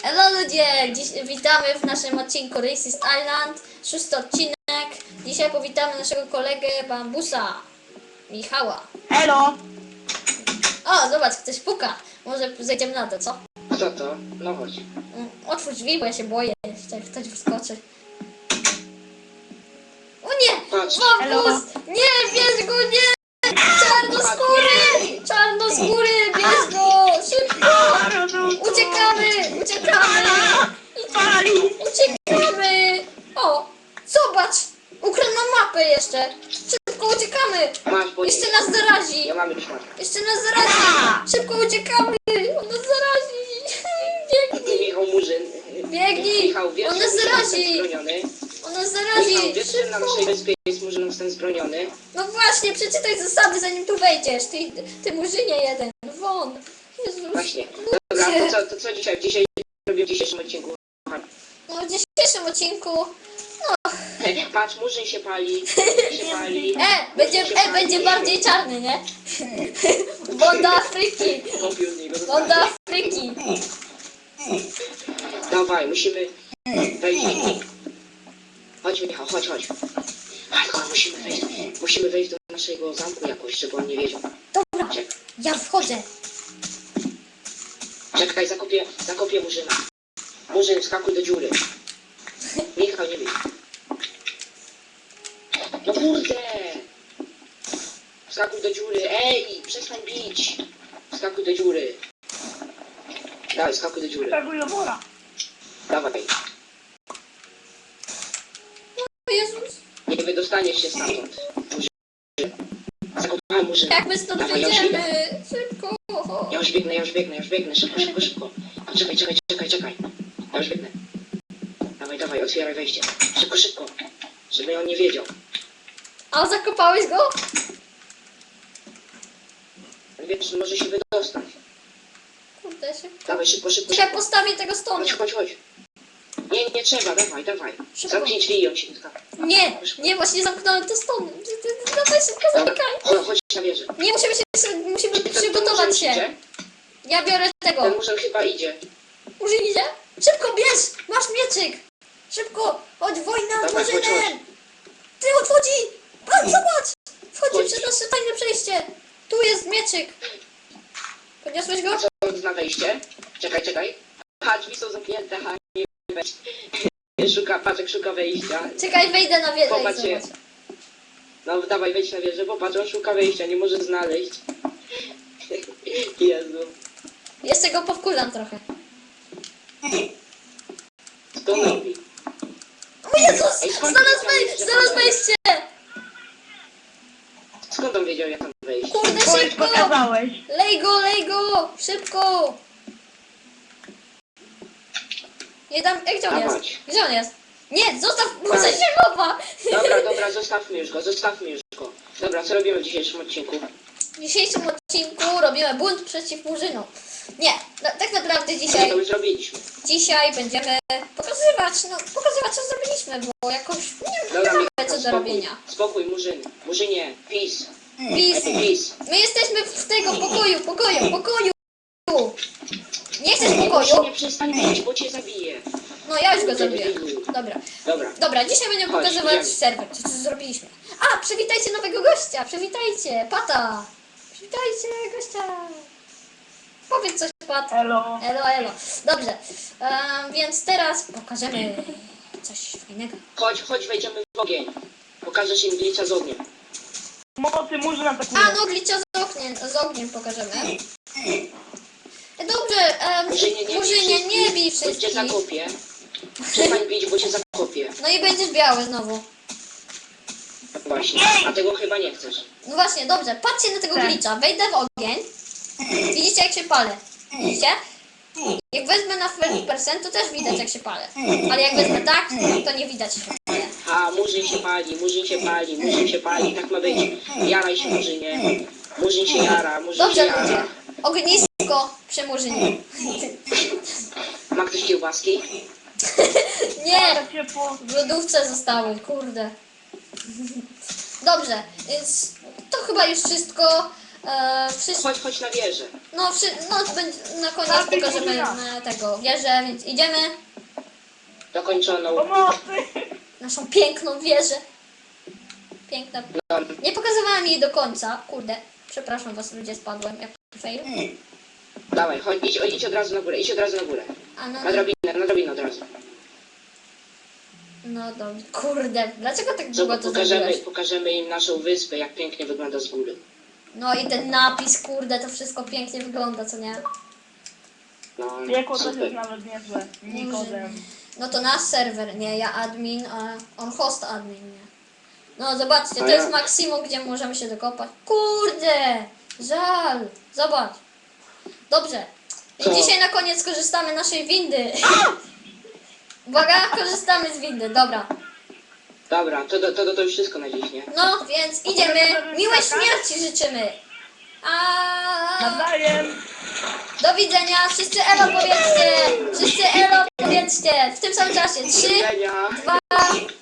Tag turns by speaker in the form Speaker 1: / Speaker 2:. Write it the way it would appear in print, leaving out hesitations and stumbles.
Speaker 1: Hello ludzie! Dziś witamy w naszym odcinku Racist Island, 6. odcinek. Dzisiaj powitamy naszego kolegę Bambusa, Michała.
Speaker 2: Elo!
Speaker 1: O, zobacz, ktoś puka. Może zejdziemy na to, co?
Speaker 3: Kto to? No chodź.
Speaker 1: Otwórz drzwi, bo ja się boję, jeszcze jak ktoś wyskoczy. O nie!
Speaker 3: Patrz.
Speaker 1: Bambus! Nie, bierz go, nie! Czarnoskóry! Czarnoskóry, bierz go! Szybko! Uciekamy! Uciekamy! Uciekamy! O! Zobacz! Ukradł nam mapę jeszcze! Szybko uciekamy!
Speaker 3: Masz, bo
Speaker 1: Jeszcze nas zarazi!
Speaker 3: ja mam już matkę.
Speaker 1: Jeszcze nas zarazi! Szybko uciekamy! On nas zarazi! Biegnij!
Speaker 3: Michał Murzyn.
Speaker 1: Biegnij!
Speaker 3: Michał, wiesz,
Speaker 1: On nas
Speaker 3: że
Speaker 1: zarazi!
Speaker 3: jestem zbroniony?
Speaker 1: On nas
Speaker 3: Michał,
Speaker 1: zarazi!
Speaker 3: wiesz, że na
Speaker 1: Szybko!
Speaker 3: naszej wyspie jest Murzyn, jestem zbroniony?
Speaker 1: No właśnie, przeczytaj zasady, zanim tu wejdziesz! Ty murzynie jeden! Won! Jezus!
Speaker 3: Właśnie. Dobra, to co dzisiaj? Dzisiaj robię w dzisiejszym odcinku.
Speaker 1: No w dzisiejszym odcinku...
Speaker 3: Patrz, Murzyn się pali. Się pali.
Speaker 1: Będzie bardziej czarny, nie? Woda Afryki!
Speaker 3: Kopił z niego.
Speaker 1: Woda Afryki!
Speaker 3: Dawaj, musimy wejść. Chodź Michał, chodź. Hardcore, musimy wejść do naszego zamku jakoś, żeby on nie wiedział.
Speaker 1: Dobra, ja wchodzę!
Speaker 3: Czekaj, zakopię Murzyna. Murzyn, skakuj do dziury. Michał, nie bij. No kurde! Skakuj do dziury. Ej, przestań bić. Skakuj do dziury. Dawaj, skakuj do dziury.
Speaker 2: Skakuj do wora.
Speaker 3: Dawaj.
Speaker 1: O Jezus!
Speaker 3: Nie wydostaniesz się stamtąd. Murzyn. Zakopałem Murzyna.
Speaker 1: Jak my stąd
Speaker 3: Dawaj, ja już idę.
Speaker 1: wyjdziemy? Szybko!
Speaker 3: Ja już biegnę. Szybko. Czekaj. Ja już biegnę. Dawaj, otwieraj wejście. Szybko. Żeby on nie wiedział.
Speaker 1: A zakopałeś go?
Speaker 3: Wiesz, że może się wydostać.
Speaker 1: Kurde, szybko.
Speaker 3: Dawaj, szybko.
Speaker 1: Czekaj, postawię tego stonu.
Speaker 3: Chodź. Nie trzeba, dawaj.
Speaker 1: Szybko.
Speaker 3: Zamknij drzwi i on się dotka.
Speaker 1: Nie, właśnie zamknąłem te stony. Dawaj szybko, zamykaj.
Speaker 3: Chodź na wieżę.
Speaker 1: Nie, musimy przygotować się. Ja biorę tego.
Speaker 3: Ten murzyn chyba idzie.
Speaker 1: Murzyn idzie? Szybko, bierz! Masz mieczyk! Szybko! Chodź, wojna z
Speaker 3: Dawaj, chodź.
Speaker 1: Murzynem! Ty odchodzi! Pan, zobacz! Wchodzi
Speaker 3: Chodź.
Speaker 1: przez nasze tajne przejście! Tu jest mieczyk! Podniosłeś go?
Speaker 3: Co on zna wejście? Czekaj. Drzwi są zamknięte, nie weź. Szuka wejścia.
Speaker 1: Czekaj, wejdę na wieżę i
Speaker 3: Popatrz się.
Speaker 1: zobacz.
Speaker 3: No dawaj, wejdź na wieżę, popatrz, on szuka wejścia, nie może znaleźć. Jezu.
Speaker 1: Jeszcze go powkurzam trochę.
Speaker 3: Co on robi?
Speaker 1: O Jezus!
Speaker 3: Ej, skąd
Speaker 1: Znalazł wejście!
Speaker 3: Skąd on wiedział, jak tam wejść?
Speaker 1: Kurde,
Speaker 2: Bo już
Speaker 1: szybko!
Speaker 2: pokazałeś.
Speaker 1: Lej go! Szybko! Nie dam... Gdzie on jest?
Speaker 3: Dawać.
Speaker 1: Gdzie on jest? Nie, zostaw! Muszę się chowa!
Speaker 3: Dobra, zostawmy już go. Dobra, co robimy w dzisiejszym odcinku?
Speaker 1: W dzisiejszym odcinku robimy bunt przeciw Murzynom. Nie, tak naprawdę
Speaker 3: Co to już zrobiliśmy?
Speaker 1: dzisiaj będziemy pokazywać co zrobiliśmy, bo jakoś nie
Speaker 3: Dobra,
Speaker 1: mamy co do robienia.
Speaker 3: Spokój, Murzyn. Murzynie, peace.
Speaker 1: Peace. My jesteśmy w tego pokoju. Nie chcesz pokoju?
Speaker 3: Murzynie, przestań bić, bo cię zabiję.
Speaker 1: No ja już go zabiję.
Speaker 3: Dobra.
Speaker 1: Dobra, dzisiaj będziemy
Speaker 3: Chodź,
Speaker 1: pokazywać
Speaker 3: idziemy.
Speaker 1: serwer, co zrobiliśmy. A, przywitajcie nowego gościa, przywitajcie, Pata. Przywitajcie gościa. Powiedz coś, Pat.
Speaker 2: Elo.
Speaker 1: Elo. Dobrze, więc teraz pokażemy coś fajnego.
Speaker 3: Chodź, wejdziemy w ogień. Pokażesz im glitcha z ogniem.
Speaker 2: Mocy Murzyn atakuje.
Speaker 1: A, no glitcha z ogniem pokażemy. Dobrze, Murzynie, nie bij
Speaker 3: Bo cię
Speaker 1: wszystkich.
Speaker 3: zakopię. Przestań bić, bo cię zakopię.
Speaker 1: No i będziesz biały znowu.
Speaker 3: Właśnie, a tego chyba nie chcesz.
Speaker 1: No właśnie, dobrze, patrzcie na tego
Speaker 2: Tak.
Speaker 1: glitcha. Wejdę w ogień. Widzicie jak się palę? Widzicie? Jak wezmę na 100% to też widać jak się palę. Ale jak wezmę tak, to nie widać jak się palę.
Speaker 3: A, Murzyn się pali, tak ma być. Jaraj się, Murzynie. Murzyn się jara.
Speaker 1: Dobrze ludzie, ognisko przy Murzynie.
Speaker 3: Ma ktoś kiełbaski?
Speaker 1: Nie,
Speaker 2: Ale ciepło.
Speaker 1: w lodówce zostały, kurde. Dobrze, więc to chyba już wszystko. Wszyscy,
Speaker 3: Chodź na wieżę.
Speaker 1: na koniec pokażemy tego wieżę, więc idziemy.
Speaker 3: Dokończoną.
Speaker 2: Pomocy!
Speaker 1: Naszą piękną wieżę. Piękna.
Speaker 3: No,
Speaker 1: Nie pokazywałem jej do końca. Kurde, przepraszam was ludzie, spadłem jak fail.
Speaker 3: dawaj, chodź, idź od razu na górę, idź od razu na górę.
Speaker 1: A no,
Speaker 3: Na drabinę od razu.
Speaker 1: no dobrze. Kurde, dlaczego tak długo to zrobiłeś?
Speaker 3: Pokażemy im naszą wyspę, jak pięknie wygląda z góry.
Speaker 1: No i ten napis, kurde, to wszystko pięknie wygląda, co nie?
Speaker 3: No,
Speaker 2: Piekło też
Speaker 3: super.
Speaker 2: jest nawet niezłe. Nikodem.
Speaker 1: No to nasz serwer, nie, ja admin, a on host admin, nie. No zobaczcie, to
Speaker 3: A ja-
Speaker 1: jest maksimum, gdzie możemy się dokopać. Kurde, żal, zobacz. Dobrze,
Speaker 3: Co?
Speaker 1: dzisiaj na koniec korzystamy naszej windy. Uwaga, korzystamy z windy, dobra.
Speaker 3: Dobra, to już wszystko na dziś, nie?
Speaker 1: No, więc idziemy, miłej śmierci życzymy.
Speaker 2: Nawzajem!
Speaker 1: Do widzenia, wszyscy elo powiedzcie, w tym samym czasie, 3,
Speaker 3: Do widzenia.
Speaker 1: 2,